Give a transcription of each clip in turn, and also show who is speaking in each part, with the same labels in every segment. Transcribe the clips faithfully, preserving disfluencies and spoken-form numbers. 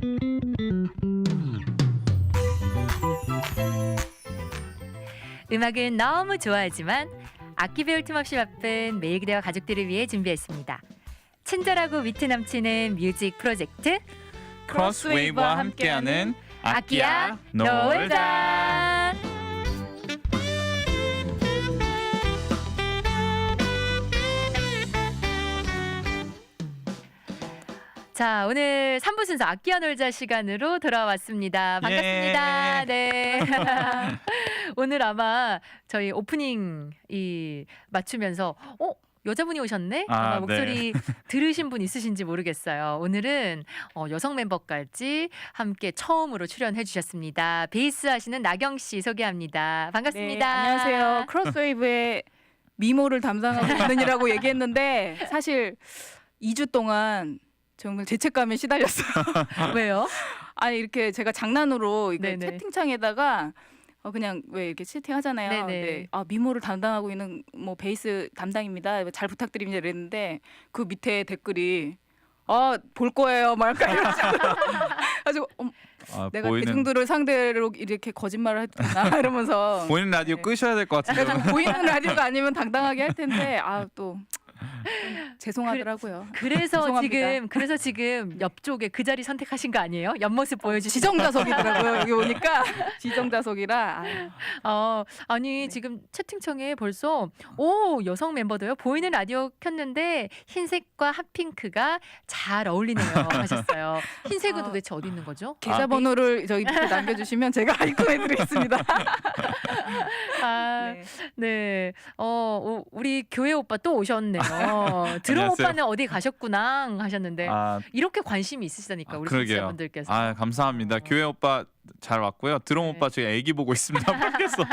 Speaker 1: 음악은 너무 좋아하지만 악기 배울 틈 없이 바쁜 매일 그대와 가족들을 위해 준비했습니다. 친절하고 위트 넘치는 뮤직 프로젝트
Speaker 2: 크로스웨이브와 함께하는
Speaker 1: 악기야
Speaker 2: 놀자.
Speaker 1: 놀자. 자, 오늘 삼 부 순서 악기야 놀자 시간으로 돌아왔습니다. 반갑습니다.
Speaker 2: 예.
Speaker 1: 네. 오늘 아마 저희 오프닝 이 맞추면서 어? 여자분이 오셨네?
Speaker 2: 아,
Speaker 1: 아마
Speaker 2: 네.
Speaker 1: 목소리 들으신 분 있으신지 모르겠어요. 오늘은 어, 여성 멤버까지 함께 처음으로 출연해 주셨습니다. 베이스 하시는 나경 씨 소개합니다. 반갑습니다.
Speaker 3: 네, 안녕하세요. 크로스웨이브의 미모를 담당하고 있는이라고 얘기했는데 사실 이 주 동안 정말 죄책감에 시달렸어요.
Speaker 1: 왜요?
Speaker 3: 아니 이렇게 제가 장난으로 이거
Speaker 1: 네네.
Speaker 3: 채팅창에다가 어 그냥 왜 이렇게 채팅하잖아요.
Speaker 1: 네네.
Speaker 3: 네. 아 미모를 담당하고 있는 뭐 베이스 담당입니다. 잘 부탁드립니다. 이랬는데 그 밑에 댓글이 아 볼 거예요. 막 약간 이러면서 가지고 어,
Speaker 2: 아,
Speaker 3: 내가
Speaker 2: 보이는
Speaker 3: 대중들을 상대로 이렇게 거짓말을 했구나 이러면서
Speaker 2: 보이는 라디오
Speaker 3: 네.
Speaker 2: 끄셔야 될 것 같은데.
Speaker 3: 약간 보이는 라디오가 아니면 당당하게 할 텐데 아 또 죄송하더라고요.
Speaker 1: 그래서
Speaker 3: 죄송합니다.
Speaker 1: 지금 그래서 지금 옆쪽에 그 자리 선택하신 거 아니에요? 옆모습 보여주시.
Speaker 3: 지정자석이더라고요. 여기 오니까 지정자석이라 아유.
Speaker 1: 어, 아니
Speaker 3: 네.
Speaker 1: 지금 채팅창에 벌써 오 여성 멤버도요. 보이는 라디오 켰는데 흰색과 핫핑크가 잘 어울리네요 하셨어요. 흰색은
Speaker 3: 아.
Speaker 1: 도대체 어디 있는 거죠?
Speaker 3: 계좌번호를 저희 밑에 남겨주시면 제가 입금해드리겠습니다.
Speaker 1: 아,
Speaker 3: 네.
Speaker 1: 네. 어, 오, 우리 교회 오빠 또 오셨네요. 드럼
Speaker 2: 안녕하세요.
Speaker 1: 오빠는 어디 가셨구나 하셨는데
Speaker 2: 아,
Speaker 1: 이렇게 관심이 있으시다니까
Speaker 2: 아,
Speaker 1: 우리
Speaker 2: 그러게요.
Speaker 1: 청취자분들께서.
Speaker 2: 아, 감사합니다.
Speaker 1: 어.
Speaker 2: 교회 오빠 잘 왔고요. 드럼
Speaker 1: 네.
Speaker 2: 오빠 저희 애기 보고 있습니다. 밖에서.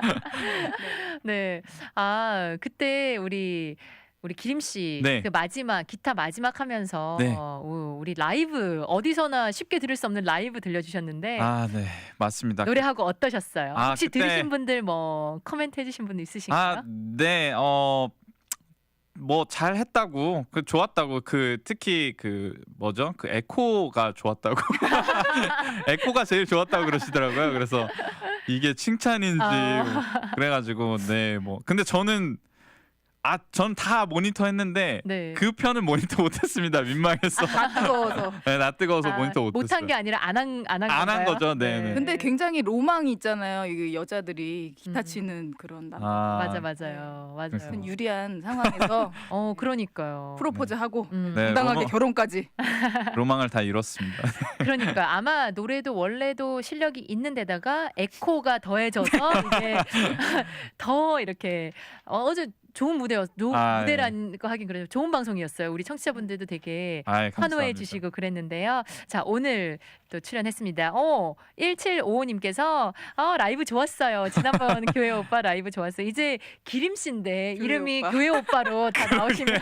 Speaker 1: 네. 아, 그때 우리 우리 기림 씨
Speaker 2: 네.
Speaker 1: 그 마지막 기타 마지막 하면서
Speaker 2: 네.
Speaker 1: 오, 우리 라이브 어디서나 쉽게 들을 수 없는 라이브 들려주셨는데
Speaker 2: 아, 네, 맞습니다.
Speaker 1: 노래하고 어떠셨어요?
Speaker 2: 아,
Speaker 1: 혹시
Speaker 2: 그때-
Speaker 1: 들으신 분들 뭐 코멘트 해주신 분 있으신가요?
Speaker 2: 아, 네, 어. 뭐 잘했다고 그 좋았다고 그 특히 그 뭐죠 그 에코가 좋았다고 에코가 제일 좋았다고 그러시더라고요. 그래서 이게 칭찬인지
Speaker 1: 아.
Speaker 2: 뭐 그래가지고 네 뭐 근데 저는 아 전 다 모니터 했는데
Speaker 1: 네.
Speaker 2: 그 편은 모니터 못했습니다. 민망해서
Speaker 3: 다 뜨거워서.
Speaker 2: 네, 나 뜨거워서
Speaker 1: 아,
Speaker 2: 모니터 못했어요.
Speaker 1: 못한 게 아니라 안 한 안 한
Speaker 2: 안 한 거죠. 네, 네.
Speaker 3: 근데 굉장히 로망이 있잖아요. 이 여자들이 기타
Speaker 1: 음.
Speaker 3: 치는 그런 남.
Speaker 2: 아,
Speaker 1: 맞아 맞아요 맞아요.
Speaker 2: 그래서.
Speaker 3: 큰 유리한 상황에서
Speaker 1: 어 그러니까요.
Speaker 3: 프로포즈하고
Speaker 1: 음.
Speaker 2: 네.
Speaker 3: 당당하게
Speaker 2: 로망-
Speaker 3: 결혼까지.
Speaker 2: 로망을 다 이뤘습니다.
Speaker 1: 그러니까 아마 노래도 원래도 실력이 있는데다가 에코가 더해져서 이게 더 이렇게 어, 어제 좋은 무대였 노,
Speaker 2: 아,
Speaker 1: 무대란 거 하긴 그래요. 좋은 방송이었어요. 우리 청취자분들도 되게
Speaker 2: 아이, 감사합니다.
Speaker 1: 환호해 주시고 그랬는데요. 자, 오늘 또 출연했습니다. 어, 일칠오오님께서 어, 라이브 좋았어요. 지난번 교회 오빠 라이브 좋았어요. 이제 기림 씨인데
Speaker 3: 교회
Speaker 1: 이름이
Speaker 3: 오빠.
Speaker 1: 교회 오빠로 다 나오시면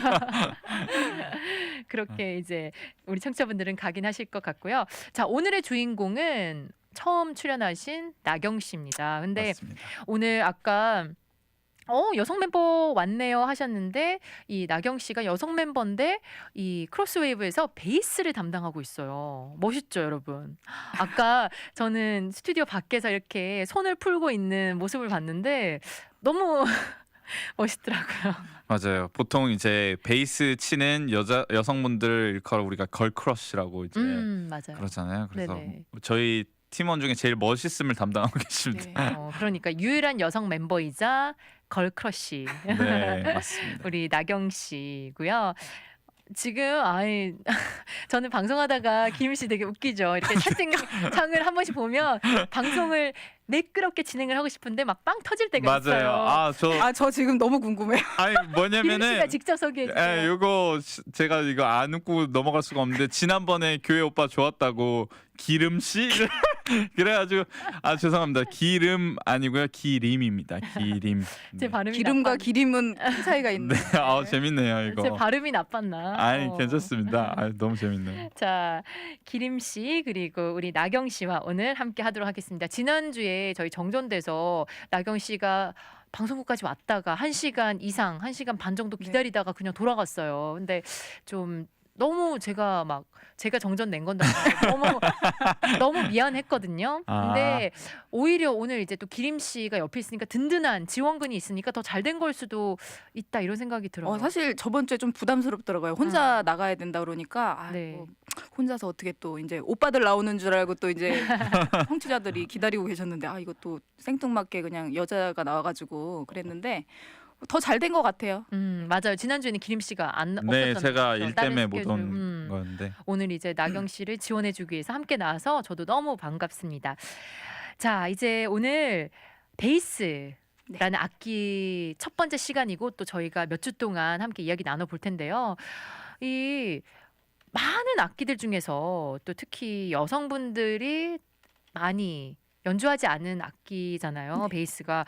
Speaker 1: 그렇게 이제 우리 청취자분들은 각인하실 것 같고요. 자, 오늘의 주인공은 처음 출연하신 나경 씨입니다. 근데
Speaker 2: 맞습니다.
Speaker 1: 오늘 아까 어 여성 멤버 왔네요 하셨는데 이 나경 씨가 여성 멤버인데 이 크로스웨이브에서 베이스를 담당하고 있어요. 멋있죠, 여러분. 아까 저는 스튜디오 밖에서 이렇게 손을 풀고 있는 모습을 봤는데 너무 멋있더라고요.
Speaker 2: 맞아요. 보통 이제 베이스 치는 여자 여성분들 일컬어 우리가 걸크러쉬라고 이제
Speaker 1: 음, 맞아요.
Speaker 2: 그러잖아요. 그래서
Speaker 1: 네네.
Speaker 2: 저희 팀원 중에 제일 멋있음을 담당하고 계십니다.
Speaker 3: 네.
Speaker 1: 어, 그러니까 유일한 여성 멤버이자 걸크러쉬.
Speaker 2: 네, 맞습니다.
Speaker 1: 우리 나경 씨고요. 지금 아이 저는 방송하다가 김일 씨 되게 웃기죠. 이렇게 채팅창을 한 번씩 보면 방송을 매끄럽게 진행을 하고 싶은데 막 빵 터질 때가 있어요.
Speaker 2: 맞아요. 아, 저
Speaker 3: 아 저 지금 너무 궁금해요.
Speaker 2: 아니
Speaker 1: 김일 씨가
Speaker 2: 뭐냐면은
Speaker 1: 직접 소개해
Speaker 2: 에,
Speaker 1: 주세요.
Speaker 2: 요거 시- 제가 이거 안 웃고 넘어갈 수가 없는데 지난번에 교회 오빠 좋았다고 기름 씨 그래가지고 아 죄송합니다. 기름 아니고요 기림입니다. 기림.
Speaker 1: 제
Speaker 2: 네.
Speaker 1: 발음이
Speaker 3: 기름과
Speaker 1: 나빴-
Speaker 3: 기림은 큰 차이가 있네.
Speaker 2: 네, 아 재밌네요 이거.
Speaker 1: 제 발음이 나빴나?
Speaker 2: 아니
Speaker 1: 어.
Speaker 2: 괜찮습니다. 아, 너무 재밌네요.
Speaker 1: 자, 기림 씨 그리고 우리 나경 씨와 오늘 함께 하도록 하겠습니다. 지난주에 저희 정전돼서 나경 씨가 방송국까지 왔다가 한 시간 이상, 한 시간 반 정도
Speaker 3: 네.
Speaker 1: 기다리다가 그냥 돌아갔어요. 근데 좀 너무 제가 막 제가 정전 낸 건데 너무 너무 미안했거든요.
Speaker 2: 아.
Speaker 1: 근데 오히려 오늘 이제 또 기림 씨가 옆에 있으니까 든든한 지원군이 있으니까 더 잘 된 걸 수도 있다 이런 생각이 들어요.
Speaker 3: 어, 사실 저번 주에 좀 부담스럽더라고요. 혼자 나가야 된다 그러니까 아,
Speaker 1: 네.
Speaker 3: 뭐 혼자서 어떻게 또 이제 오빠들 나오는 줄 알고 또 이제 청취자들이 기다리고 계셨는데 아 이것도 생뚱맞게 그냥 여자가 나와가지고 그랬는데 더 잘 된 것 같아요.
Speaker 1: 음 맞아요. 지난주에는 기림 씨가 안
Speaker 2: 네,
Speaker 1: 없었잖아요.
Speaker 2: 제가
Speaker 1: 그렇죠?
Speaker 2: 일
Speaker 1: 다른
Speaker 2: 때문에 못
Speaker 1: 스케줄.
Speaker 2: 온
Speaker 1: 음.
Speaker 2: 거였는데.
Speaker 1: 오늘 이제 나경 씨를 지원해주기 위해서 함께 나와서 저도 너무 반갑습니다. 자 이제 오늘 베이스라는 악기 첫 번째 시간이고 또 저희가 몇 주 동안 함께 이야기 나눠볼 텐데요. 이 많은 악기들 중에서 또 특히 여성분들이 많이 연주하지 않은 악기잖아요.
Speaker 3: 네.
Speaker 1: 베이스가.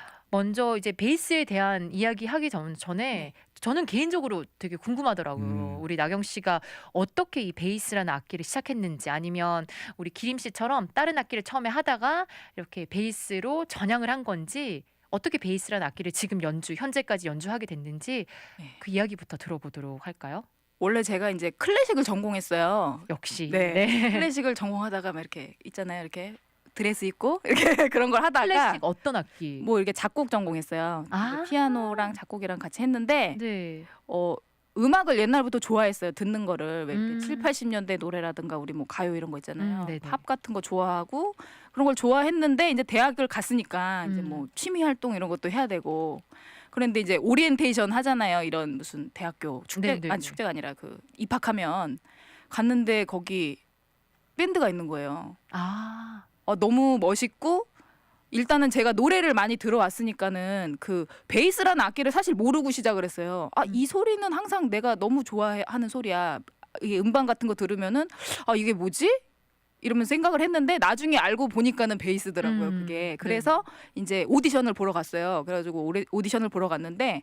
Speaker 1: 먼저 이제 베이스에 대한 이야기 하기 전, 전에
Speaker 3: 네.
Speaker 1: 저는 개인적으로 되게 궁금하더라고요.
Speaker 2: 음.
Speaker 1: 우리 나경 씨가 어떻게 이 베이스라는 악기를 시작했는지 아니면 우리 기림 씨처럼 다른 악기를 처음에 하다가 이렇게 베이스로 전향을 한 건지 어떻게 베이스라는 악기를 지금 연주, 현재까지 연주하게 됐는지
Speaker 3: 네.
Speaker 1: 그 이야기부터 들어보도록 할까요?
Speaker 3: 원래 제가 이제 클래식을 전공했어요.
Speaker 1: 역시.
Speaker 3: 네. 클래식을 전공하다가 막 이렇게 있잖아요. 이렇게 드레스 입고 이렇게 그런 걸 하다가
Speaker 1: 클래식 어떤 악기?
Speaker 3: 뭐 이렇게 작곡 전공했어요.
Speaker 1: 아.
Speaker 3: 피아노랑 작곡이랑 같이 했는데
Speaker 1: 네.
Speaker 3: 어 음악을 옛날부터 좋아했어요. 듣는 거를 왜 이렇게
Speaker 1: 음.
Speaker 3: 칠, 팔십 년대 노래라든가 우리 뭐 가요 이런 거 있잖아요.
Speaker 1: 음, 네네.
Speaker 3: 팝 같은 거 좋아하고 그런 걸 좋아했는데 이제 대학을 갔으니까 이제
Speaker 1: 음.
Speaker 3: 뭐 취미 활동 이런 것도 해야 되고 그런데 이제 오리엔테이션 하잖아요. 이런 무슨 대학교 축제
Speaker 1: 네네네.
Speaker 3: 아니 축제가 아니라 그 입학하면 갔는데 거기 밴드가 있는 거예요.
Speaker 1: 아.
Speaker 3: 어, 너무 멋있고 일단은 제가 노래를 많이 들어왔으니까는 그 베이스라는 악기를 사실 모르고 시작을 했어요. 아,
Speaker 1: 음.
Speaker 3: 이 소리는 항상 내가 너무 좋아하는 소리야. 이게 음반 같은 거 들으면은 아, 이게 뭐지? 이러면 생각을 했는데 나중에 알고 보니까는 베이스더라고요.
Speaker 1: 음,
Speaker 3: 그게. 그래서 이제 오디션을 보러 갔어요. 그래가지고 오래, 오디션을 보러 갔는데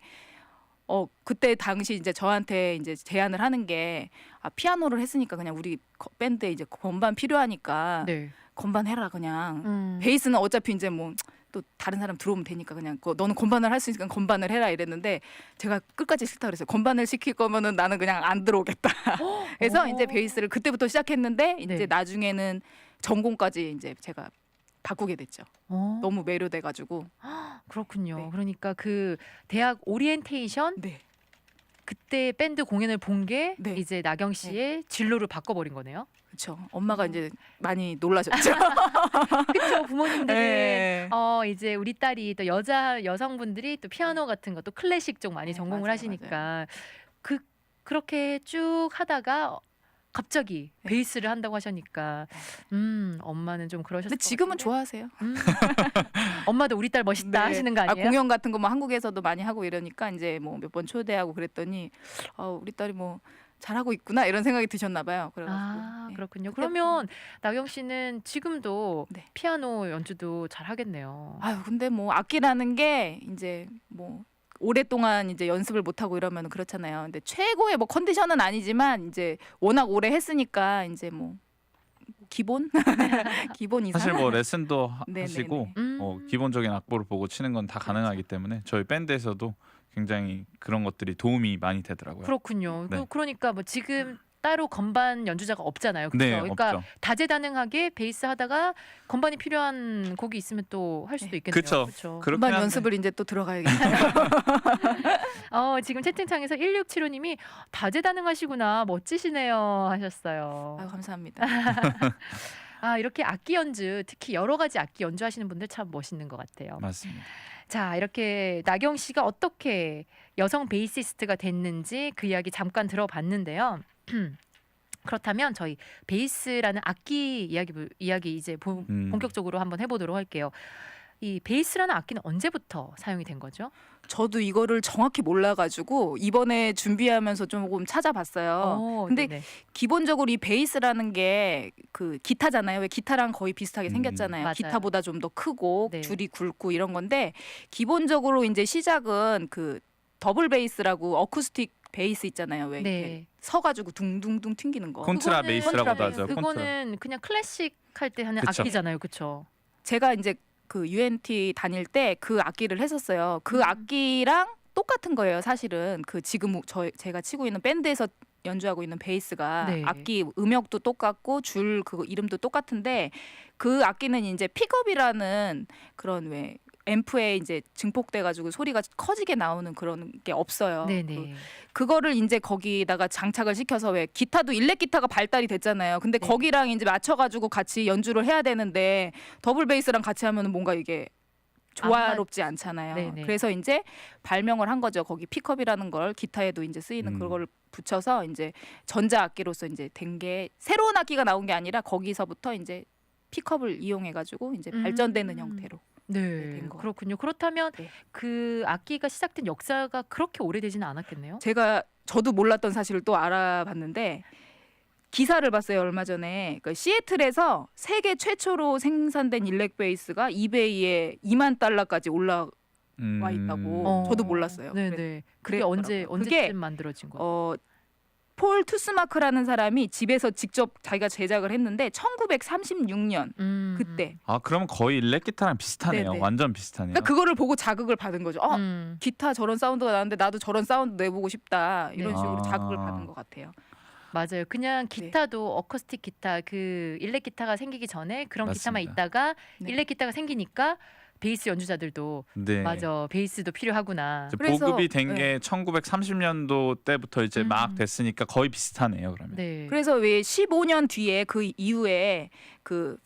Speaker 3: 어 그때 당시 이제 저한테 이제 제안을 하는 게 아, 피아노를 했으니까 그냥 우리 거- 밴드에 이제 건반 필요하니까
Speaker 1: 네.
Speaker 3: 건반 해라 그냥.
Speaker 1: 음.
Speaker 3: 베이스는 어차피 이제 뭐 또 다른 사람 들어오면 되니까 그냥 거- 너는 건반을 할 수 있으니까 건반을 해라 이랬는데 제가 끝까지 싫다 그랬어요. 건반을 시킬 거면은 나는 그냥 안 들어오겠다. 그래서
Speaker 1: 오.
Speaker 3: 이제 베이스를 그때부터 시작했는데 이제
Speaker 1: 네.
Speaker 3: 나중에는 전공까지 이제 제가 바꾸게 됐죠.
Speaker 1: 어.
Speaker 3: 너무 매료돼가지고.
Speaker 1: 그렇군요.
Speaker 3: 네.
Speaker 1: 그러니까 그 대학 오리엔테이션
Speaker 3: 네.
Speaker 1: 그때 밴드 공연을 본 게
Speaker 3: 네.
Speaker 1: 이제 나경 씨의 진로를 바꿔버린 거네요.
Speaker 3: 그렇죠. 엄마가
Speaker 1: 어.
Speaker 3: 이제 많이 놀라셨죠.
Speaker 1: 그렇죠. 부모님들은
Speaker 3: 네.
Speaker 1: 어 이제 우리 딸이 또 여자 여성분들이 또 피아노 같은 거 또 클래식 쪽 많이
Speaker 3: 네,
Speaker 1: 전공을
Speaker 3: 맞아요,
Speaker 1: 하시니까 그 그렇게 쭉 하다가 갑자기
Speaker 3: 네.
Speaker 1: 베이스를 한다고 하시니까 음 엄마는 좀 그러셨을
Speaker 3: 근데
Speaker 1: 것
Speaker 3: 지금은
Speaker 1: 같은데.
Speaker 3: 좋아하세요.
Speaker 1: 음. 엄마도 우리 딸 멋있다
Speaker 3: 네.
Speaker 1: 하시는 거
Speaker 3: 아,
Speaker 1: 아니에요?
Speaker 3: 공연 같은 거 뭐 한국에서도 많이 하고 이러니까 이제 뭐 몇 번 초대하고 그랬더니 아, 우리 딸이 뭐 잘하고 있구나 이런 생각이 드셨나 봐요. 그래가지고
Speaker 1: 아
Speaker 3: 네.
Speaker 1: 그렇군요.
Speaker 3: 그때부터-
Speaker 1: 그러면 나경 씨는 지금도
Speaker 3: 네.
Speaker 1: 피아노 연주도 잘 하겠네요.
Speaker 3: 아유 근데 뭐 악기라는 게 이제 뭐 오랫동안 이제 연습을 못 하고 이러면 그렇잖아요. 근데 최고의 뭐 컨디션은 아니지만 이제 워낙 오래 했으니까 이제 뭐 기본 기본 이상
Speaker 2: 사실 뭐 레슨도 하-
Speaker 3: 네네네.
Speaker 2: 하시고
Speaker 1: 음.
Speaker 2: 어, 기본적인 악보를 보고 치는 건 다 가능하기 때문에 저희 밴드에서도 굉장히 그런 것들이 도움이 많이 되더라고요.
Speaker 1: 그렇군요.
Speaker 2: 네.
Speaker 1: 그, 그러니까 뭐 지금 따로 건반 연주자가 없잖아요. 그렇죠?
Speaker 2: 네,
Speaker 1: 그러니까
Speaker 2: 없죠.
Speaker 1: 다재다능하게 베이스 하다가 건반이 필요한 곡이 있으면 또 할 수도
Speaker 3: 네.
Speaker 1: 있겠네요.
Speaker 2: 그쵸.
Speaker 1: 그렇죠.
Speaker 2: 그렇긴
Speaker 3: 금방
Speaker 2: 한데.
Speaker 3: 연습을 이제 또 들어가야겠네요.
Speaker 1: 어, 지금 채팅창에서 일육칠오님이 다재다능하시구나 멋지시네요 하셨어요.
Speaker 3: 아유 감사합니다.
Speaker 1: 아 이렇게 악기 연주 특히 여러 가지 악기 연주하시는 분들 참 멋있는 것 같아요.
Speaker 2: 맞습니다.
Speaker 1: 자 이렇게 나경 씨가 어떻게 여성 베이시스트가 됐는지 그 이야기 잠깐 들어봤는데요. 그렇다면 저희 베이스라는 악기 이야기 이야기 이제 보-
Speaker 2: 음.
Speaker 1: 본격적으로 한번 해보도록 할게요. 이 베이스라는 악기는 언제부터 사용이 된 거죠?
Speaker 3: 저도 이거를 정확히 몰라가지고 이번에 준비하면서 조금 찾아봤어요.
Speaker 1: 어,
Speaker 3: 근데
Speaker 1: 네네.
Speaker 3: 기본적으로 이 베이스라는 게 그 기타잖아요. 왜 기타랑 거의 비슷하게
Speaker 2: 음.
Speaker 3: 생겼잖아요.
Speaker 1: 맞아요.
Speaker 3: 기타보다 좀 더 크고
Speaker 1: 네.
Speaker 3: 줄이 굵고 이런 건데 기본적으로 이제 시작은 그 더블 베이스라고 어쿠스틱 베이스 있잖아요. 왜 이렇게
Speaker 1: 네.
Speaker 3: 서가지고 둥둥둥 튕기는 거.
Speaker 2: 콘트라
Speaker 1: 그거는-
Speaker 2: 베이스라고도
Speaker 3: 콘트라
Speaker 2: 하죠.
Speaker 3: 베이스.
Speaker 2: 콘트라.
Speaker 1: 그거는 그냥 클래식 할 때 하는
Speaker 2: 그쵸.
Speaker 1: 악기잖아요, 그렇죠?
Speaker 3: 제가 이제 그 유엔티 다닐 때 그 악기를 했었어요. 그
Speaker 1: 음.
Speaker 3: 악기랑 똑같은 거예요, 사실은. 그 지금 저 제가 치고 있는 밴드에서 연주하고 있는 베이스가
Speaker 1: 네.
Speaker 3: 악기 음역도 똑같고 줄 그 이름도 똑같은데 그 악기는 이제 픽업이라는 그런 왜 앰프에 이제 증폭돼 가지고 소리가 커지게 나오는 그런 게 없어요. 그,
Speaker 1: 네네.
Speaker 3: 그거를 이제 거기다가 장착을 시켜서 왜 기타도 일렉 기타가 발달이 됐잖아요. 근데
Speaker 1: 네.
Speaker 3: 거기랑 이제 맞춰 가지고 같이 연주를 해야 되는데 더블 베이스랑 같이 하면은 뭔가 이게 조화롭지 않잖아요.
Speaker 1: 네네.
Speaker 3: 그래서 이제 발명을 한 거죠. 거기 픽업이라는 걸 기타에도 이제 쓰이는
Speaker 2: 음.
Speaker 3: 그걸 붙여서 이제 전자 악기로서 이제 된 게 새로운 악기가 나온 게 아니라 거기서부터 이제 픽업을 이용해 가지고 이제
Speaker 1: 음.
Speaker 3: 발전되는 형태로.
Speaker 1: 네,
Speaker 3: 된 거.
Speaker 1: 그렇군요. 그렇다면
Speaker 3: 네.
Speaker 1: 그 악기가 시작된 역사가 그렇게 오래되지는 않았겠네요.
Speaker 3: 제가 저도 몰랐던 사실을 또 알아봤는데 기사를 봤어요 얼마 전에. 그 시애틀에서 세계 최초로 생산된 일렉 베이스가 이베이에 이만 달러까지 올라와
Speaker 2: 음.
Speaker 3: 있다고.
Speaker 1: 어.
Speaker 3: 저도 몰랐어요.
Speaker 1: 네네.
Speaker 3: 그래-
Speaker 1: 그게 언제
Speaker 3: 그랬더라고요.
Speaker 1: 언제쯤
Speaker 3: 그게
Speaker 1: 만들어진 거예요?
Speaker 3: 어, 폴 투스마크라는 사람이 집에서 직접 자기가 제작을 했는데 천구백삼십육 년
Speaker 1: 음.
Speaker 3: 그때.
Speaker 2: 아 그러면 거의 일렉 기타랑 비슷하네요.
Speaker 3: 네네.
Speaker 2: 완전 비슷하네요.
Speaker 3: 그러니까 그거를 보고 자극을 받은 거죠. 어,
Speaker 1: 음.
Speaker 3: 기타 저런 사운드가 나는데 나도 저런 사운드 내보고 싶다. 이런
Speaker 1: 네.
Speaker 3: 식으로
Speaker 2: 아.
Speaker 3: 자극을 받은 것 같아요.
Speaker 1: 맞아요. 그냥
Speaker 3: 네.
Speaker 1: 기타도 어쿠스틱 기타 그 일렉 기타가 생기기 전에 그런 기타만
Speaker 2: 맞습니다.
Speaker 1: 있다가
Speaker 3: 네.
Speaker 1: 일렉 기타가 생기니까 베이스 연주자들도
Speaker 2: 네.
Speaker 1: 맞아 베이스도 필요하구나.
Speaker 2: 이제
Speaker 3: 그래서-
Speaker 2: 보급이 된 게 천구백삼십 년도 때부터 이제
Speaker 1: 음.
Speaker 2: 막 됐으니까 거의 비슷하네요. 그러면.
Speaker 1: 네.
Speaker 3: 그래서 왜 십오 년 뒤에 그 이후에 그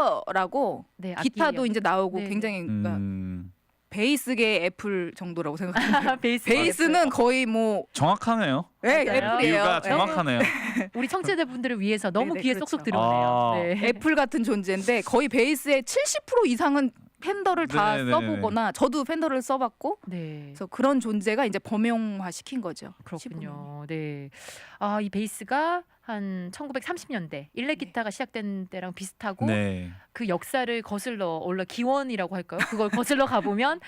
Speaker 3: 펜더라고
Speaker 1: 네,
Speaker 3: 기타도
Speaker 1: 악기
Speaker 3: 이제 나오고
Speaker 1: 네,
Speaker 3: 굉장히 그러니까
Speaker 2: 음,
Speaker 3: 베이스계 애플 정도라고 생각합니다.
Speaker 1: 베이스
Speaker 3: 베이스는 거의 뭐
Speaker 2: 정확하네요.
Speaker 3: 예,
Speaker 1: 맞아요.
Speaker 3: 애플이에요.
Speaker 2: 비유가
Speaker 3: 예.
Speaker 2: 정확하네요.
Speaker 1: 우리 청취자분들을 위해서 너무
Speaker 3: 네네,
Speaker 1: 귀에
Speaker 3: 그렇죠.
Speaker 1: 쏙쏙 들어오네요.
Speaker 2: 아.
Speaker 1: 네.
Speaker 3: 애플 같은 존재인데 거의 베이스의 칠십 퍼센트 이상은 펜더를 다
Speaker 2: 네네네네.
Speaker 3: 써보거나 저도 펜더를 써봤고
Speaker 1: 네.
Speaker 3: 그래서 그런 존재가 이제 범용화 시킨 거죠.
Speaker 1: 그렇군요. 네. 아, 이 베이스가 한 천구백삼십 년대 일렉
Speaker 3: 네.
Speaker 1: 기타가 시작된 때랑 비슷하고
Speaker 2: 네.
Speaker 1: 그 역사를 거슬러 올라 기원이라고 할까요? 그걸 거슬러 가보면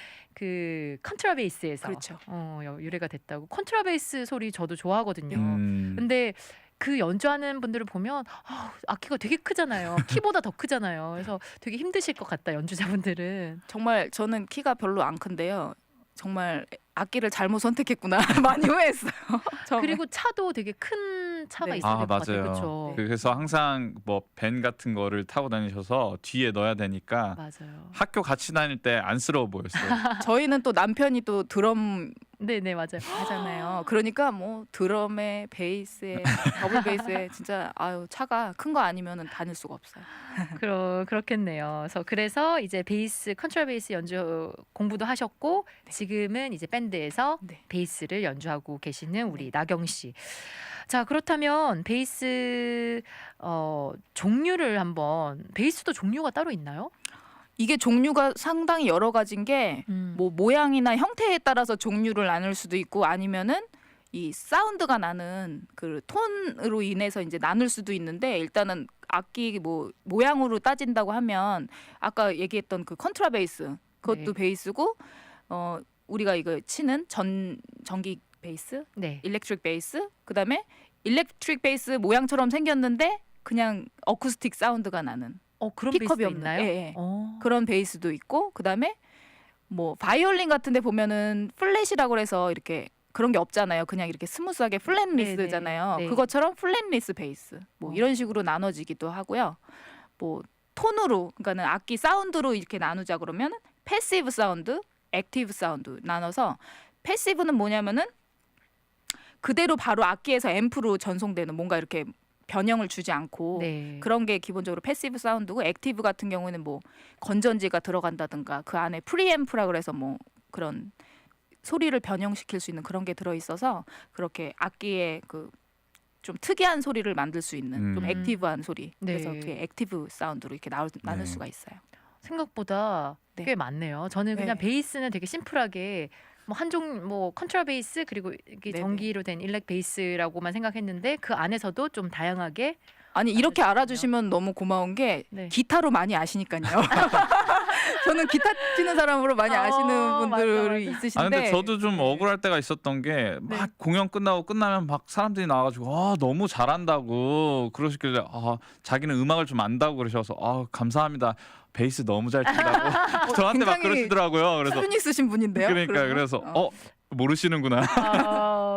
Speaker 1: 그 컨트라베이스에서
Speaker 3: 그렇죠.
Speaker 1: 어, 여- 유래가 됐다고. 컨트라베이스 소리 저도 좋아하거든요.
Speaker 2: 음,
Speaker 1: 근데 그 연주하는 분들을 보면 아, 악기가 되게 크잖아요. 키보다 더 크잖아요. 그래서 되게 힘드실 것 같다 연주자분들은.
Speaker 3: 정말 저는 키가 별로 안 큰데요. 정말 악기를 잘못 선택했구나 많이 후회했어요. 처음에.
Speaker 1: 그리고 차도 되게 큰 차가
Speaker 3: 네.
Speaker 1: 있어야
Speaker 2: 아
Speaker 1: 될 것 같아요.
Speaker 2: 맞아요.
Speaker 1: 그렇죠.
Speaker 2: 그래서 항상 뭐 밴 같은 거를 타고 다니셔서 뒤에 넣어야 되니까
Speaker 1: 맞아요.
Speaker 2: 학교 같이 다닐 때 안쓰러워 보였어요.
Speaker 3: 저희는 또 남편이 또 드럼
Speaker 1: 네네 맞아요.
Speaker 3: 하잖아요. 그러니까 뭐 드럼에 베이스에 더블 베이스에 진짜 아유 차가 큰 거 아니면은 다닐 수가 없어요.
Speaker 1: 그러 그렇겠네요. 그래서 그래서 이제 베이스 컨트라베이스 연주 공부도 하셨고 지금은 이제 밴드에서
Speaker 3: 네.
Speaker 1: 베이스를 연주하고 계시는 우리 나경 씨. 자 그렇다면 베이스 어, 종류를 한번 베이스도 종류가 따로 있나요?
Speaker 3: 이게 종류가 상당히 여러 가지인 게
Speaker 1: 음.
Speaker 3: 뭐 모양이나 형태에 따라서 종류를 나눌 수도 있고 아니면은 이 사운드가 나는 그 톤으로 인해서 이제 나눌 수도 있는데 일단은 악기 뭐 모양으로 따진다고 하면 아까 얘기했던 그 컨트라베이스 그것도
Speaker 1: 네.
Speaker 3: 베이스고 어 우리가 이거 치는 전 전기 베이스,
Speaker 1: 네.
Speaker 3: 일렉트릭 베이스, 그다음에 일렉트릭 베이스 모양처럼 생겼는데 그냥 어쿠스틱 사운드가 나는
Speaker 1: 어 그런
Speaker 3: 픽업이
Speaker 1: 베이스도
Speaker 3: 없는,
Speaker 1: 있나요?
Speaker 3: 예, 예.
Speaker 1: 어.
Speaker 3: 그런 베이스도 있고 그다음에 뭐 바이올린 같은 데 보면은 플랫이라고 해서 이렇게 그런 게 없잖아요. 그냥 이렇게 스무스하게 플랫리스잖아요.
Speaker 1: 네.
Speaker 3: 그것처럼 플랫리스 베이스 뭐
Speaker 1: 어.
Speaker 3: 이런 식으로 나눠지기도 하고요. 뭐 톤으로 그러니까는 악기 사운드로 이렇게 나누자 그러면 패시브 사운드, 액티브 사운드 나눠서 패시브는 뭐냐면은 그대로 바로 악기에서 앰프로 전송되는 뭔가 이렇게 변형을 주지 않고
Speaker 1: 네.
Speaker 3: 그런 게 기본적으로 패시브 사운드고 액티브 같은 경우에는 뭐 건전지가 들어간다든가 그 안에 프리앰프라 그래서 뭐 그런 소리를 변형시킬 수 있는 그런 게 들어 있어서 그렇게 악기에 그 좀 특이한 소리를 만들 수 있는 좀
Speaker 2: 음.
Speaker 3: 액티브한 소리
Speaker 1: 네.
Speaker 3: 그래서 그게 액티브 사운드로 이렇게 나올, 나눌
Speaker 2: 네.
Speaker 3: 수가 있어요.
Speaker 1: 생각보다
Speaker 3: 네.
Speaker 1: 꽤 많네요. 저는 그냥
Speaker 3: 네.
Speaker 1: 베이스는 되게 심플하게 뭐 한종 뭐 컨트라 베이스 그리고 이게
Speaker 3: 네네.
Speaker 1: 전기로 된 일렉 베이스라고만 생각했는데 그 안에서도 좀 다양하게
Speaker 3: 아니 이렇게
Speaker 1: 알려주시네요.
Speaker 3: 알아주시면 너무 고마운 게
Speaker 1: 네.
Speaker 3: 기타로 많이 아시니까요. 저는 기타 치는 사람으로 많이
Speaker 1: 어,
Speaker 3: 아시는 분들이
Speaker 1: 맞아, 맞아.
Speaker 3: 있으신데
Speaker 2: 아 근데 저도 좀
Speaker 1: 네.
Speaker 2: 억울할 때가 있었던 게 막
Speaker 1: 네.
Speaker 2: 공연 끝나고 끝나면 막 사람들이 나와가지고 아 너무 잘한다고 그러시길래 아 자기는 음악을 좀 안다고 그러셔서 아 감사합니다 베이스 너무 잘 친다고 저한테 막
Speaker 3: 굉장히
Speaker 2: 그러시더라고요. 그래서
Speaker 3: 수준 있으신 분인데요.
Speaker 2: 그러니까
Speaker 3: 그러면?
Speaker 2: 그래서
Speaker 3: 어.
Speaker 2: 어 모르시는구나.
Speaker 1: 어,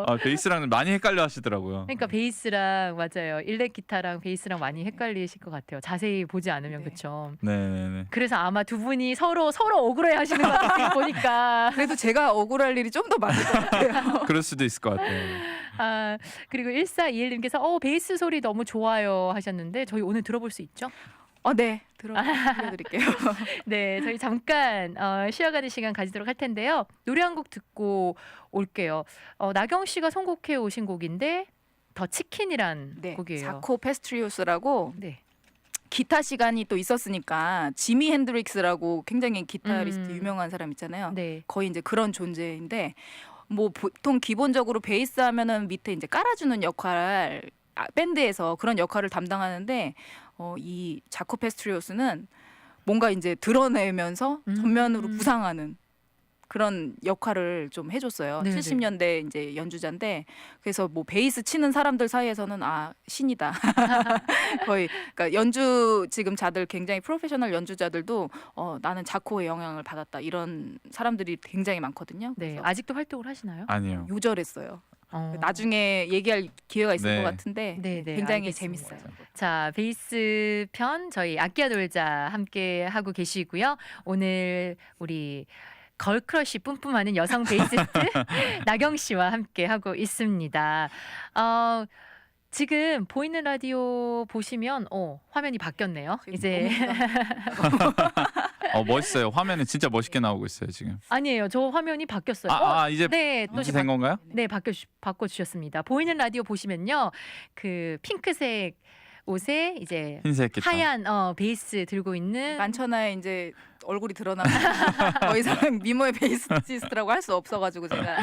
Speaker 2: 아, 베이스랑 많이 헷갈려 하시더라고요.
Speaker 1: 그러니까 베이스랑 맞아요. 일렉 기타랑 베이스랑 많이 헷갈리실 것 같아요. 자세히 보지 않으면
Speaker 3: 네.
Speaker 1: 그렇죠.
Speaker 2: 네네네.
Speaker 1: 그래서 아마 두 분이 서로 서로 억울해 하시는 것 같아요. 보니까.
Speaker 3: 그래도 제가 억울할 일이 좀 더 많을 것 같아요.
Speaker 2: 그럴 수도 있을 것 같아요.
Speaker 1: 아, 그리고 일사이일님께서 어, 베이스 소리 너무 좋아요 하셨는데 저희 오늘 들어볼 수 있죠?
Speaker 3: 어, 네. 들어 들려드릴게요.
Speaker 1: 네, 저희 잠깐 어, 쉬어가는 시간 가지도록 할 텐데요. 노래 한 곡 듣고 올게요. 어, 나경 씨가 선곡해 오신 곡인데 더 치킨이란
Speaker 3: 네.
Speaker 1: 곡이에요.
Speaker 3: 자코 페스트리우스라고
Speaker 1: 네.
Speaker 3: 기타 시간이 또 있었으니까 지미 핸드릭스라고 굉장히 기타리스트
Speaker 1: 음.
Speaker 3: 유명한 사람 있잖아요.
Speaker 1: 네.
Speaker 3: 거의 이제 그런 존재인데 뭐 보통 기본적으로 베이스 하면은 밑에 이제 깔아주는 역할 아, 밴드에서 그런 역할을 담당하는데 어, 이 자코 페스트리오스는 뭔가 이제 드러내면서
Speaker 1: 음.
Speaker 3: 전면으로 부상하는 그런 역할을 좀 해줬어요.
Speaker 1: 네네.
Speaker 3: 칠십 년대 이제 연주자인데 그래서 뭐 베이스 치는 사람들 사이에서는 아 신이다. 거의 그러니까 연주 지금 자들 굉장히 프로페셔널 연주자들도 어, 나는 자코의 영향을 받았다 이런 사람들이 굉장히 많거든요.
Speaker 1: 네.
Speaker 3: 그래서
Speaker 1: 아직도 활동을 하시나요?
Speaker 2: 아니요.
Speaker 3: 요절했어요.
Speaker 1: 어.
Speaker 3: 나중에 얘기할 기회가 있을
Speaker 2: 네.
Speaker 3: 것 같은데
Speaker 1: 네, 네,
Speaker 3: 굉장히
Speaker 1: 알겠습니다.
Speaker 3: 재밌어요.
Speaker 1: 자, 베이스 편 저희 아끼야 놀자 함께 하고 계시고요. 오늘 우리 걸크러쉬 뿜뿜하는 여성 베이시스트 나경 씨와 함께 하고 있습니다. 어, 지금 보이는 라디오 보시면 어, 화면이 바뀌었네요.
Speaker 3: 지금
Speaker 1: 이제
Speaker 3: 너무
Speaker 2: 어 멋있어요. 화면이 진짜 멋있게 나오고 있어요 지금.
Speaker 1: 아니에요. 저 화면이 바뀌었어요. 어,
Speaker 2: 아, 아 이제
Speaker 1: 네, 또
Speaker 2: 이제
Speaker 1: 바-
Speaker 2: 된 건가요?
Speaker 1: 네, 바꿔 주, 바꿔 주셨습니다. 보이는 라디오 보시면요. 그 핑크색 옷에 이제
Speaker 2: 흰색 기타.
Speaker 1: 하얀 어, 베이스 들고 있는
Speaker 3: 만천하에 이제 얼굴이 드러나면 더 이상 미모의 베이시스트라고 할 수 없어가지고 제가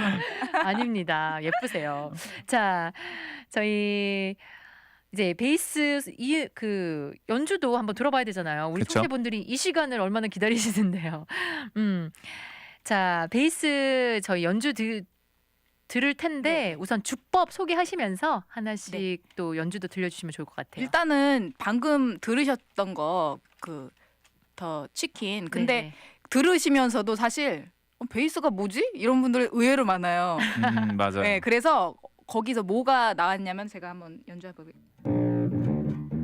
Speaker 1: 아닙니다. 예쁘세요. 자, 저희 이제 베이스 이 그 연주도 한번 들어봐야 되잖아요. 우리
Speaker 2: 그쵸?
Speaker 1: 청취분들이 이 시간을 얼마나 기다리시는데요. 음. 자, 베이스 저희 연주 드, 들을 텐데
Speaker 3: 네.
Speaker 1: 우선 주법 소개하시면서 하나씩
Speaker 3: 네.
Speaker 1: 또 연주도 들려주시면 좋을 것 같아요.
Speaker 3: 일단은 방금 들으셨던 거 그 더 치킨 근데
Speaker 1: 네.
Speaker 3: 들으시면서도 사실 어, 베이스가 뭐지? 이런 분들 의외로 많아요.
Speaker 2: 음, 맞아요.
Speaker 3: 네, 그래서 거기서 뭐가 나왔냐면 제가 한번 연주해 보겠습니다.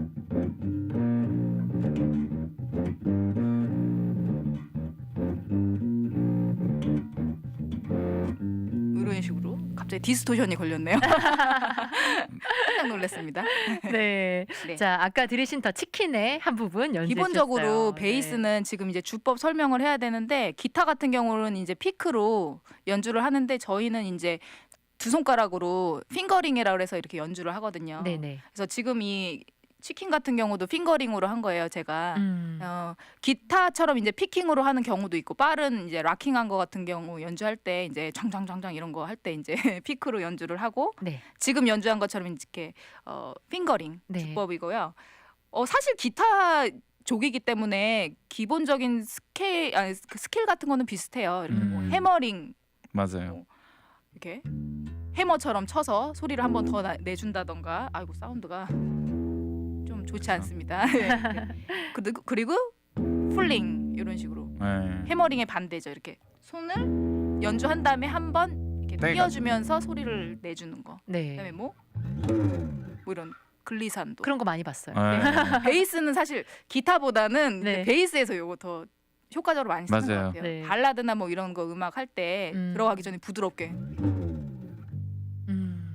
Speaker 3: 이런 식으로 갑자기 디스토션이 걸렸네요. 깜짝 놀랐습니다.
Speaker 1: 네.
Speaker 3: 네.
Speaker 1: 자, 아까 들으신 더 치킨의 한 부분 연주해
Speaker 3: 기본적으로
Speaker 1: 주셨어요.
Speaker 3: 베이스는 지금 이제 주법 설명을 해야 되는데 기타 같은 경우는 이제 피크로 연주를 하는데 저희는 이제 두 손가락으로 핑거링이라 그래서 이렇게 연주를 하거든요.
Speaker 1: 네, 네.
Speaker 3: 그래서 지금 이 치킨 같은 경우도 핑거링으로 한 거예요, 제가.
Speaker 1: 음.
Speaker 3: 어, 기타처럼 이제 피킹으로 하는 경우도 있고 빠른 이제 락킹한 거 같은 경우 연주할 때 이제 장장장장 이런 거 할 때 이제 피크로 연주를 하고
Speaker 1: 네.
Speaker 3: 지금 연주한 것처럼 이렇게 어, 핑거링
Speaker 1: 네.
Speaker 3: 주법이고요. 어, 사실 기타 족이기 때문에 기본적인 스케일 아니 그 스킬 같은 거는 비슷해요. 이렇게 뭐
Speaker 2: 음.
Speaker 3: 해머링
Speaker 2: 맞아요.
Speaker 3: 이렇게 해머처럼 쳐서 소리를 한 번 더 내준다던가. 아이고 사운드가 좀 좋지 않습니다. 네, 네. 그리고 그리고 풀링 이런 식으로
Speaker 2: 네.
Speaker 3: 해머링의 반대죠. 이렇게 손을 연주한 다음에 한 번 이렇게
Speaker 2: 네,
Speaker 3: 띄워주면서 소리를 내주는 거.
Speaker 1: 네.
Speaker 3: 그다음에 뭐, 뭐 이런 글리산도.
Speaker 1: 그런 거 많이 봤어요.
Speaker 2: 네.
Speaker 3: 베이스는 사실 기타보다는
Speaker 1: 네.
Speaker 3: 이제 베이스에서 요거 더 효과적으로 많이 쓰는
Speaker 2: 맞아요.
Speaker 3: 것 같아요.
Speaker 1: 네.
Speaker 3: 발라드나 뭐 이런 거 음악 할 때
Speaker 1: 음.
Speaker 3: 들어가기 전에 부드럽게.
Speaker 1: 음.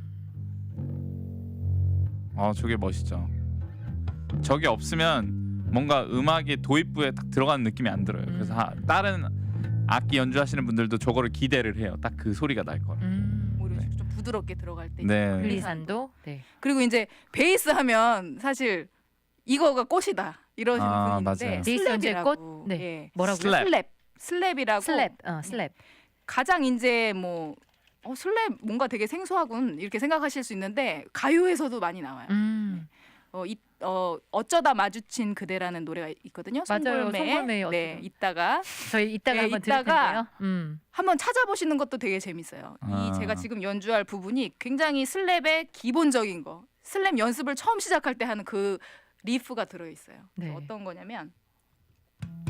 Speaker 2: 아 저게 멋있죠. 저게 없으면 뭔가 음악이 도입부에 딱 들어가는 느낌이 안 들어요. 그래서 하,
Speaker 1: 음.
Speaker 2: 다른 악기 연주하시는 분들도 저거를 기대를 해요. 딱 그 소리가 날 거라.
Speaker 1: 음.
Speaker 3: 뭐 이런
Speaker 2: 네.
Speaker 3: 식으로 좀 부드럽게 들어갈 때.
Speaker 2: 네.
Speaker 1: 글리산도. 네.
Speaker 3: 그리고 이제 베이스 하면 사실 이거가 꽃이다 이러시는
Speaker 2: 아,
Speaker 3: 분이 있는데
Speaker 2: 맞아요.
Speaker 1: 베이스 연주의
Speaker 3: 슬랩이라고.
Speaker 1: 네.
Speaker 3: 예.
Speaker 1: 뭐라고요?
Speaker 2: 슬랩.
Speaker 3: 슬랩. 슬랩이라고.
Speaker 1: 슬랩. 어, 슬랩.
Speaker 3: 가장 이제 뭐 어, 슬랩 뭔가 되게 생소하군 이렇게 생각하실 수 있는데 가요에서도 많이 나와요.
Speaker 1: 음.
Speaker 3: 어, 이, 어 어쩌다 마주친 그대라는 노래가 있거든요.
Speaker 1: 맞아요.
Speaker 3: 송골매의.
Speaker 1: 송골매의
Speaker 3: 네,
Speaker 1: 어쩌다.
Speaker 3: 이따가
Speaker 1: 저희 이따가
Speaker 3: 네,
Speaker 1: 한번 들을
Speaker 3: 이따가
Speaker 1: 텐데요. 음.
Speaker 3: 한번 찾아보시는 것도 되게 재밌어요.
Speaker 2: 아.
Speaker 3: 이 제가 지금 연주할 부분이 굉장히 슬랩의 기본적인 거, 슬랩 연습을 처음 시작할 때 하는 그 리프가 들어 있어요.
Speaker 1: 네.
Speaker 3: 어떤 거냐면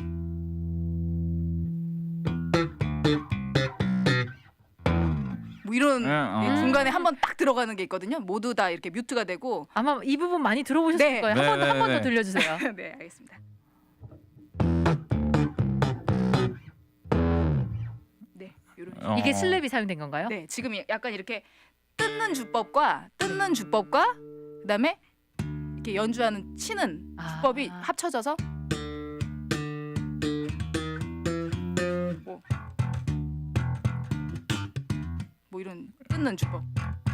Speaker 3: 뭐 뭐 이런
Speaker 2: 네, 어.
Speaker 3: 예, 중간에 한 번 딱 들어가는 게 있거든요. 모두 다 이렇게 뮤트가 되고.
Speaker 1: 아마 이 부분 많이 들어보셨을
Speaker 3: 네.
Speaker 1: 거예요.
Speaker 2: 네,
Speaker 1: 한 번 한
Speaker 2: 네,
Speaker 1: 번 더
Speaker 2: 네.
Speaker 1: 들려주세요.
Speaker 3: 네, 알겠습니다. 네, 이런.
Speaker 2: 어.
Speaker 1: 이게 슬랩이 사용된 건가요?
Speaker 3: 네, 지금 약간 이렇게 뜯는 주법과 뜯는 주법과 그다음에 이렇게 연주하는 치는
Speaker 1: 아.
Speaker 3: 주법이 합쳐져서 뭐, 뭐 이런 뜯는 주법.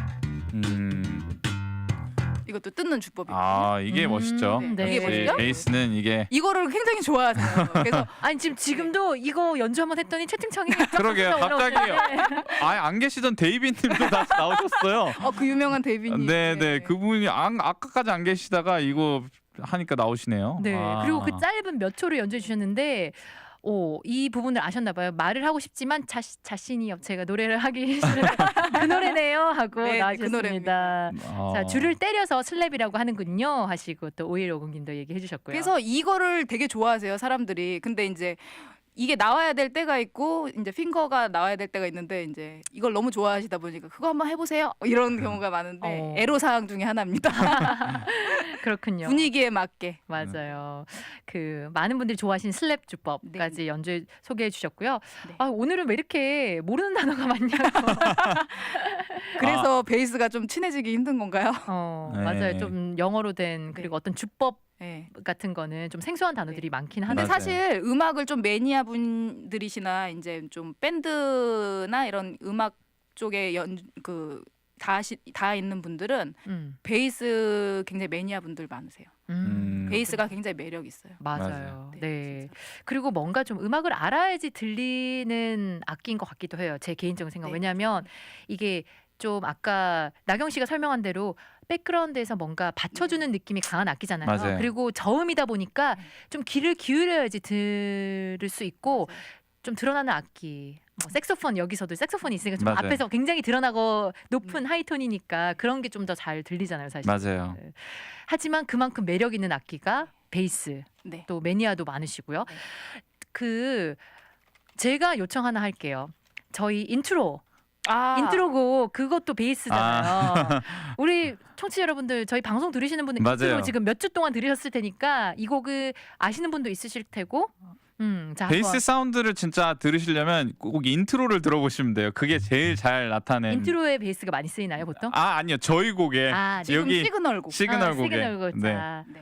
Speaker 2: 음.
Speaker 3: 이것도 뜯는 주법이거든요.
Speaker 2: 아 이게
Speaker 1: 음,
Speaker 2: 멋있죠.
Speaker 1: 네.
Speaker 3: 이게
Speaker 2: 역시
Speaker 3: 멋있죠?
Speaker 2: 베이스는 이게
Speaker 3: 이거를 굉장히 좋아하세요. 그래서
Speaker 1: 아니 지금 지금도 이거 연주 한번 했더니 채팅창에
Speaker 2: 그러게요. 갑자기
Speaker 1: 올라오는데.
Speaker 2: 아예 안 계시던 데이비님도 다시 나오셨어요.
Speaker 3: 어, 그 유명한 데이비님.
Speaker 2: 네네 그분이 안, 아까까지 안 계시다가 이거 하니까 나오시네요.
Speaker 1: 네.
Speaker 2: 아.
Speaker 1: 그리고 그 짧은 몇 초를 연주해 주셨는데 오, 이 부분을 아셨나 봐요. 말을 하고 싶지만 자, 자신이 없 제가 노래를 하기 싫으니까 그 노래네요 하고
Speaker 3: 네, 그
Speaker 1: 나와주셨습니다.
Speaker 3: 노래입니다.
Speaker 2: 어.
Speaker 1: 자, 줄을 때려서 슬랩이라고 하는군요 하시고 또 오일오공 님도 얘기해 주셨고요.
Speaker 3: 그래서 이거를 되게 좋아하세요, 사람들이. 근데 이제 이게 나와야 될 때가 있고 이제 핑거가 나와야 될 때가 있는데 이제 이걸 너무 좋아하시다 보니까 그거 한번 해보세요 이런 경우가 많은데
Speaker 1: 어.
Speaker 3: 애로 사항 중에 하나입니다.
Speaker 1: 그렇군요.
Speaker 3: 분위기에 맞게.
Speaker 1: 맞아요. 그 많은 분들이 좋아하시는 슬랩 주법까지 연주 소개해 주셨고요.
Speaker 3: 네.
Speaker 1: 아, 오늘은 왜 이렇게 모르는 단어가 많냐고.
Speaker 3: 그래서 베이스가 좀 친해지기 힘든 건가요?
Speaker 1: 어,
Speaker 2: 네.
Speaker 1: 맞아요. 좀 영어로 된 그리고 어떤 주법
Speaker 3: 네.
Speaker 1: 같은 거는 좀 생소한 단어들이 많긴 한데
Speaker 3: 근데
Speaker 2: 맞아요.
Speaker 3: 사실 음악을 좀 매니아 분들이시나 이제 좀 밴드나 이런 음악 쪽에 연그 다, 다 있는 분들은
Speaker 1: 음,
Speaker 3: 베이스 굉장히 매니아 분들 많으세요.
Speaker 1: 음,
Speaker 2: 음.
Speaker 3: 베이스가 굉장히 매력 있어요.
Speaker 1: 맞아요.
Speaker 2: 맞아요.
Speaker 3: 네,
Speaker 1: 네.
Speaker 3: 진짜.
Speaker 1: 그리고 뭔가 좀 음악을 알아야지 들리는 악기인 것 같기도 해요. 제 개인적인 생각.
Speaker 3: 네.
Speaker 1: 왜냐하면 이게 좀 아까 나경 씨가 설명한 대로 백그라운드에서 뭔가 받쳐주는 느낌이 강한 악기잖아요.
Speaker 2: 맞아요.
Speaker 1: 그리고 저음이다 보니까
Speaker 3: 네.
Speaker 1: 좀 귀를 기울여야지 들을 수 있고
Speaker 3: 맞아요.
Speaker 1: 좀 드러나는 악기. 뭐 색소폰 여기서도 색소폰이 있으니까 좀
Speaker 2: 맞아요.
Speaker 1: 앞에서 굉장히 드러나고 높은
Speaker 3: 음.
Speaker 1: 하이톤이니까 그런 게 좀 더 잘 들리잖아요, 사실.
Speaker 2: 맞아요.
Speaker 1: 네. 하지만 그만큼 매력 있는 악기가 베이스.
Speaker 3: 네.
Speaker 1: 또 매니아도 많으시고요.
Speaker 3: 네.
Speaker 1: 그 제가 요청 하나 할게요. 저희 인트로
Speaker 3: 아,
Speaker 1: 인트로곡 그것도 베이스잖아요. 우리 청취자 여러분들 저희 방송 들으시는 분들
Speaker 2: 맞아요.
Speaker 1: 인트로 지금 몇 주 동안 들으셨을 테니까 이 곡을 아시는 분도 있으실 테고. 음, 자
Speaker 2: 베이스
Speaker 1: 한번
Speaker 2: 사운드를 진짜 들으시려면 꼭 인트로를 들어보시면 돼요. 그게 제일 잘 나타낸.
Speaker 1: 인트로에 베이스가 많이 쓰이나요, 보통?
Speaker 2: 아 아니요 저희 곡에
Speaker 1: 아,
Speaker 3: 지금
Speaker 2: 여기
Speaker 3: 시그널곡.
Speaker 2: 시그널
Speaker 1: 아,
Speaker 2: 곡에.
Speaker 1: 시그널 곡.
Speaker 2: 네.
Speaker 1: 자.
Speaker 3: 네.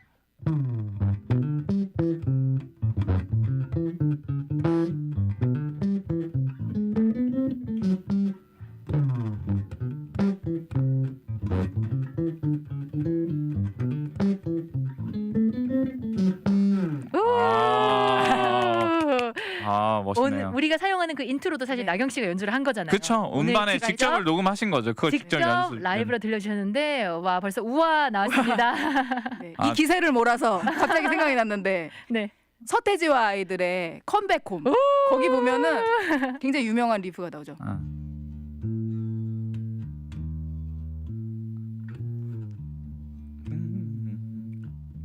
Speaker 2: 아, 아
Speaker 1: 오늘
Speaker 2: 멋있네요.
Speaker 1: 우리가 사용하는 그 인트로도 사실
Speaker 3: 네.
Speaker 1: 나경 씨가 연주를 한 거잖아요.
Speaker 2: 그쵸
Speaker 1: 오늘
Speaker 2: 음반에
Speaker 1: 직접
Speaker 2: 직접을 녹음하신 거죠. 그걸 직접,
Speaker 1: 직접
Speaker 2: 연습
Speaker 1: 라이브로 들려주셨는데 와 벌써 우와 나왔습니다.
Speaker 3: 네.
Speaker 2: 아.
Speaker 3: 이 기세를 몰아서 갑자기 생각이 났는데
Speaker 1: 네.
Speaker 3: 서태지와 아이들의 컴백홈 거기 보면은 굉장히 유명한 리프가 나오죠.
Speaker 2: 아. 음.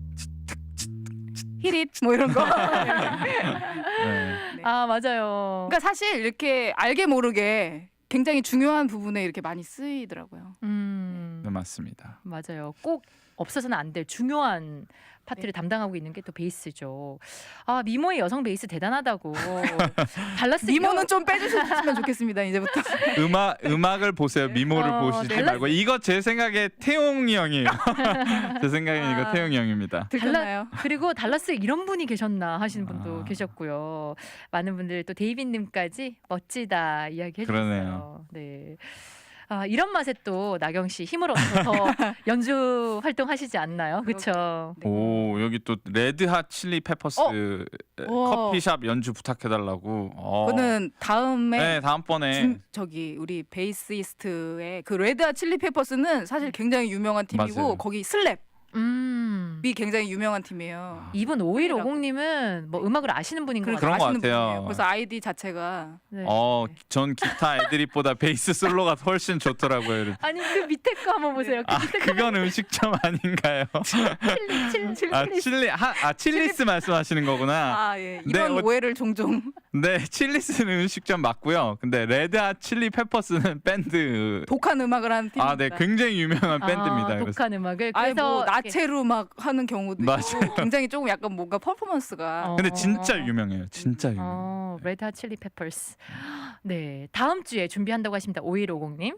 Speaker 3: 히릿 뭐 이런 거.
Speaker 2: 네.
Speaker 1: 아 맞아요.
Speaker 3: 그러니까 사실 이렇게 알게 모르게 굉장히 중요한 부분에 이렇게 많이 쓰이더라고요.
Speaker 1: 음
Speaker 2: 네, 맞습니다.
Speaker 1: 맞아요. 꼭 없어서는 안 될 중요한 파트를
Speaker 3: 네.
Speaker 1: 담당하고 있는 게 또 베이스죠. 아 미모의 여성 베이스 대단하다고. 달라스
Speaker 3: 미모는 좀 빼주셨으면 좋겠습니다. 이제부터.
Speaker 2: 음악 음악을 보세요. 미모를
Speaker 1: 어,
Speaker 2: 보시지
Speaker 1: 네.
Speaker 2: 말고 이거 제 생각에 태용이 형이에요. 제 생각엔 이거
Speaker 3: 아.
Speaker 2: 태용이 형입니다.
Speaker 3: 들렸나요?
Speaker 1: 그리고 달라스에 이런 분이 계셨나 하시는 분도
Speaker 2: 아.
Speaker 1: 계셨고요. 많은 분들 또 데이빗님까지 멋지다 이야기해
Speaker 2: 그러네요.
Speaker 1: 주셨어요. 네. 아, 이런 맛에 또 나경 씨 힘을 얻어서 더 연주 활동하시지 않나요? 그렇죠.
Speaker 3: 네.
Speaker 2: 오 여기 또 레드핫 칠리 페퍼스
Speaker 3: 어?
Speaker 2: 커피숍 연주 부탁해달라고. 어.
Speaker 3: 그거는 다음에
Speaker 2: 네 다음번에
Speaker 3: 중, 저기 우리 베이시스트의 그 레드핫 칠리 페퍼스는 사실 굉장히 유명한 팀이고
Speaker 2: 맞아요.
Speaker 3: 거기 슬랩
Speaker 1: 음.
Speaker 3: 미 굉장히 유명한 팀이에요.
Speaker 1: 이분 오일오공님은 뭐 음악을 아시는 분인 것
Speaker 3: 그러니까
Speaker 2: 그런 것
Speaker 1: 같아요.
Speaker 3: 아시는
Speaker 2: 같아요.
Speaker 3: 분이에요. 그래서 아이디 자체가
Speaker 1: 네.
Speaker 2: 어, 전 기타 애드립보다 베이스 솔로가 훨씬 좋더라고요.
Speaker 1: 아니 그 밑에 거 한번 보세요. 그
Speaker 2: 아,
Speaker 1: 밑에
Speaker 2: 그건 음식점 아닌가요?
Speaker 1: 칠리 칠리 칠리.
Speaker 2: 아, 칠리 하, 아, 칠리스 말씀하시는 거구나.
Speaker 3: 아 예. 이런
Speaker 2: 네, 어-
Speaker 3: 오해를 종종
Speaker 2: 네, 칠리스는 음식점 맞고요. 근데 레드핫 칠리 페퍼스는 밴드.
Speaker 3: 독한 음악을 하는 팀입니다.
Speaker 2: 아, 네, 굉장히 유명한 밴드입니다.
Speaker 1: 아,
Speaker 2: 그래서
Speaker 1: 독한 음악을
Speaker 3: 아니
Speaker 1: 그래서
Speaker 3: 뭐
Speaker 1: 이렇게-
Speaker 3: 나체로 막 하는 경우도
Speaker 2: 맞아요.
Speaker 3: 있고 굉장히 조금 약간 뭔가 퍼포먼스가
Speaker 1: 어.
Speaker 2: 근데 진짜 유명해요. 진짜 유명.
Speaker 1: 어, 레드핫 칠리 페퍼스. 네, 다음 주에 준비한다고 하십니다. 오일오공님.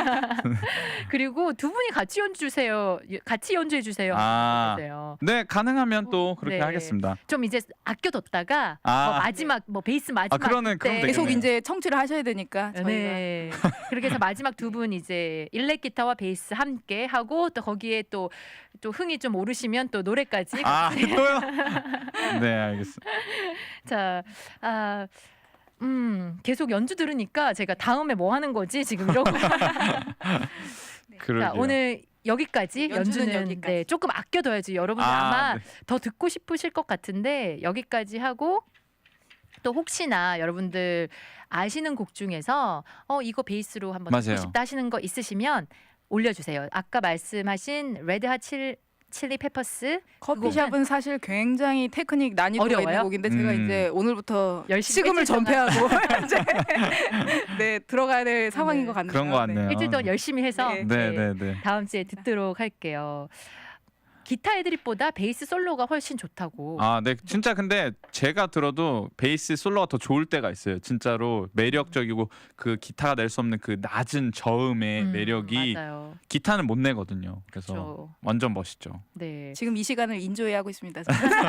Speaker 1: 그리고 두 분이 같이 연주 주세요. 같이 연주해 주세요.
Speaker 2: 아.
Speaker 1: 주세요.
Speaker 2: 네, 가능하면 또 그렇게
Speaker 1: 네.
Speaker 2: 하겠습니다.
Speaker 1: 좀 이제 아껴뒀다가
Speaker 2: 아.
Speaker 1: 뭐 마지막 뭐 베이스 마지막
Speaker 2: 아, 그러면
Speaker 1: 때
Speaker 2: 그럼
Speaker 3: 계속
Speaker 2: 되겠네요.
Speaker 3: 이제 청취를 하셔야 되니까 저희가
Speaker 1: 네. 그렇게 해서 마지막 두 분 이제 일렉 기타와 베이스 함께 하고 또 거기에 또 또 흥이 좀 오르시면 또 노래까지.
Speaker 2: 아, 또요? 네, 알겠습니다.
Speaker 1: 자, 아, 음, 계속 연주 들으니까 제가 다음에 뭐 하는 거지 지금 이러고. 자,
Speaker 2: 그러게요.
Speaker 1: 오늘 여기까지
Speaker 3: 연주는
Speaker 1: 연주는
Speaker 3: 여기까지.
Speaker 1: 네, 조금 아껴둬야지 여러분들
Speaker 2: 아,
Speaker 1: 아, 마
Speaker 2: 네.
Speaker 1: 더 듣고 싶으실 것 같은데 여기까지 하고 또 혹시나 여러분들 아시는 곡 중에서 어 이거 베이스로 한번
Speaker 2: 맞아요.
Speaker 1: 듣고 싶다 하시는 거 있으시면 올려주세요. 아까 말씀하신 레드핫 칠 칠리 페퍼스
Speaker 3: 커피숍은 사실 굉장히 테크닉 난이도가
Speaker 1: 어려워요?
Speaker 3: 있는 곡인데 제가
Speaker 2: 음.
Speaker 3: 이제 오늘부터
Speaker 1: 열심히
Speaker 3: 시금을
Speaker 1: 일주일 동안.
Speaker 3: 전폐하고 이제 네 들어가야 될 상황인
Speaker 1: 네.
Speaker 3: 것 같네요.
Speaker 2: 그런 거 같네요.
Speaker 1: 일주일 동안 열심히 해서
Speaker 3: 네.
Speaker 2: 네, 네, 네.
Speaker 1: 다음 주에 듣도록 할게요. 기타 애드립보다 베이스 솔로가 훨씬 좋다고.
Speaker 2: 아, 네. 진짜 근데 제가 들어도 베이스 솔로가 더 좋을 때가 있어요. 진짜로 매력적이고 그 기타가 낼 수 없는 그 낮은 저음의
Speaker 1: 음,
Speaker 2: 매력이
Speaker 1: 맞아요.
Speaker 2: 기타는 못 내거든요. 그래서
Speaker 1: 그렇죠.
Speaker 2: 완전 멋있죠.
Speaker 1: 네.
Speaker 3: 지금 이 시간을 인조해하고 있습니다.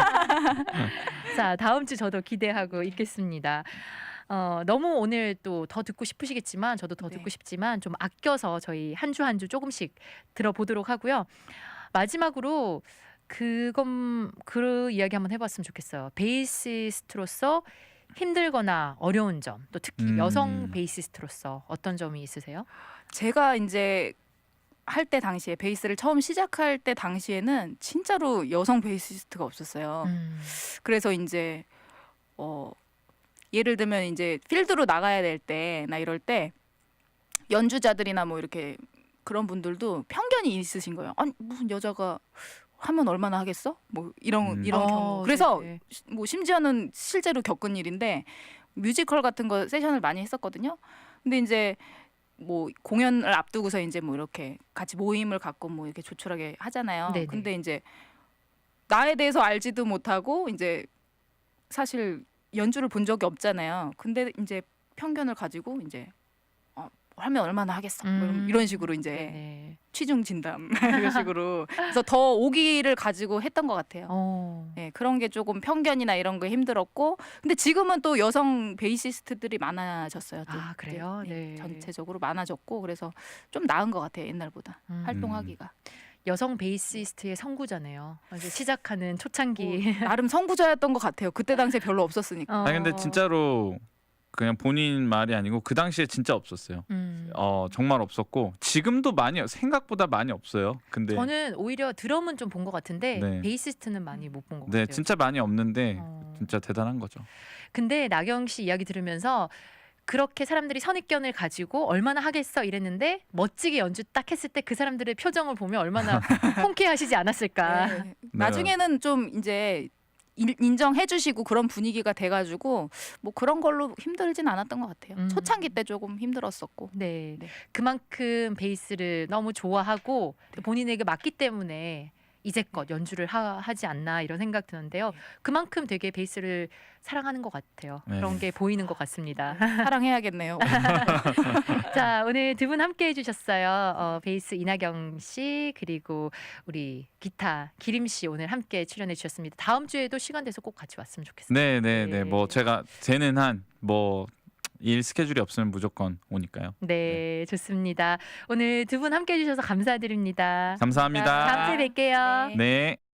Speaker 1: 자, 다음 주 저도 기대하고 있겠습니다. 어, 너무 오늘 또 더 듣고 싶으시겠지만 저도 더
Speaker 3: 네.
Speaker 1: 듣고 싶지만 좀 아껴서 저희 한 주 한 주 조금씩 들어보도록 하고요. 마지막으로 그건 그 이야기 한번 해봤으면 좋겠어요. 베이시스트로서 힘들거나 어려운 점, 또 특히
Speaker 2: 음.
Speaker 1: 여성 베이시스트로서 어떤 점이 있으세요?
Speaker 3: 제가 이제 할 때 당시에 베이스를 처음 시작할 때 당시에는 진짜로 여성 베이시스트가 없었어요.
Speaker 1: 음.
Speaker 3: 그래서 이제 어 예를 들면 이제 필드로 나가야 될 때나 이럴 때 연주자들이나 뭐 이렇게 그런 분들도 편견이 있으신 거예요. 아니 무슨 여자가 하면 얼마나 하겠어? 뭐 이런
Speaker 2: 음.
Speaker 3: 이런
Speaker 1: 어,
Speaker 3: 경우. 그래서
Speaker 1: 네네.
Speaker 3: 시- 뭐 심지어는 실제로 겪은 일인데 뮤지컬 같은 거 세션을 많이 했었거든요. 근데 이제 뭐 공연을 앞두고서 이제 뭐 이렇게 같이 모임을 갖고 뭐 이렇게 조촐하게 하잖아요.
Speaker 1: 네네.
Speaker 3: 근데 이제 나에 대해서 알지도 못하고 이제 사실 연주를 본 적이 없잖아요. 근데 이제 편견을 가지고 이제 어, 하면 얼마나 하겠어? 뭐 이런-
Speaker 1: 음.
Speaker 3: 이런 식으로 이제
Speaker 1: 네.
Speaker 3: 취중 진담 이런 식으로 그래서 더 오기를 가지고 했던 것 같아요.
Speaker 1: 어.
Speaker 3: 네, 그런 게 조금 편견이나 이런 거 힘들었고 근데 지금은 또 여성 베이시스트들이 많아졌어요. 또.
Speaker 1: 아, 그래요? 네.
Speaker 3: 전체적으로 많아졌고 그래서 좀 나은 것 같아요. 옛날보다
Speaker 1: 음.
Speaker 3: 활동하기가.
Speaker 1: 여성 베이시스트의 선구자네요. 이제 시작하는 초창기.
Speaker 3: 뭐, 나름 선구자였던 것 같아요. 그때 당시에 별로 없었으니까.
Speaker 1: 어.
Speaker 2: 아니 근데 진짜로 그냥 본인 말이 아니고 그 당시에 진짜 없었어요.
Speaker 1: 음.
Speaker 2: 어, 정말 없었고 지금도 많이 생각보다 많이 없어요. 근데
Speaker 1: 저는 오히려 드럼은 좀 본 것 같은데
Speaker 2: 네.
Speaker 1: 베이시스트는 많이 못 본 것
Speaker 2: 네,
Speaker 1: 같아요.
Speaker 2: 진짜 많이 없는데
Speaker 1: 어.
Speaker 2: 진짜 대단한 거죠.
Speaker 1: 근데 나경 씨 이야기 들으면서 그렇게 사람들이 선입견을 가지고 얼마나 하겠어 이랬는데 멋지게 연주 딱 했을 때 그 사람들의 표정을 보면 얼마나 통쾌하시지 않았을까.
Speaker 3: 네. 나중에는 좀 이제 인- 인정해주시고 그런 분위기가 돼가지고 뭐 그런 걸로 힘들진 않았던 것 같아요.
Speaker 1: 음.
Speaker 3: 초창기 때 조금 힘들었었고.
Speaker 1: 네.
Speaker 3: 네.
Speaker 1: 그만큼 베이스를 너무 좋아하고 또 본인에게 맞기 때문에 이제껏 연주를 하, 하지 않나 이런 생각 드는데요. 그만큼 되게 베이스를 사랑하는 것 같아요.
Speaker 2: 네.
Speaker 1: 그런 게 보이는 것 같습니다.
Speaker 3: 사랑해야겠네요.
Speaker 1: 자, 오늘 두 분 함께 해주셨어요. 어, 베이스 이나경 씨 그리고 우리 기타 기림 씨 오늘 함께 출연해 주셨습니다. 다음 주에도 시간 돼서 꼭 같이 왔으면 좋겠어요.
Speaker 2: 네, 네,
Speaker 1: 네.
Speaker 2: 네. 뭐 제가 되는 한 뭐 일 스케줄이 없으면 무조건 오니까요.
Speaker 1: 네, 좋습니다. 오늘 두 분 함께 해주셔서 감사드립니다.
Speaker 2: 감사합니다.
Speaker 1: 다음 주에 뵐게요.
Speaker 3: 네.
Speaker 2: 네.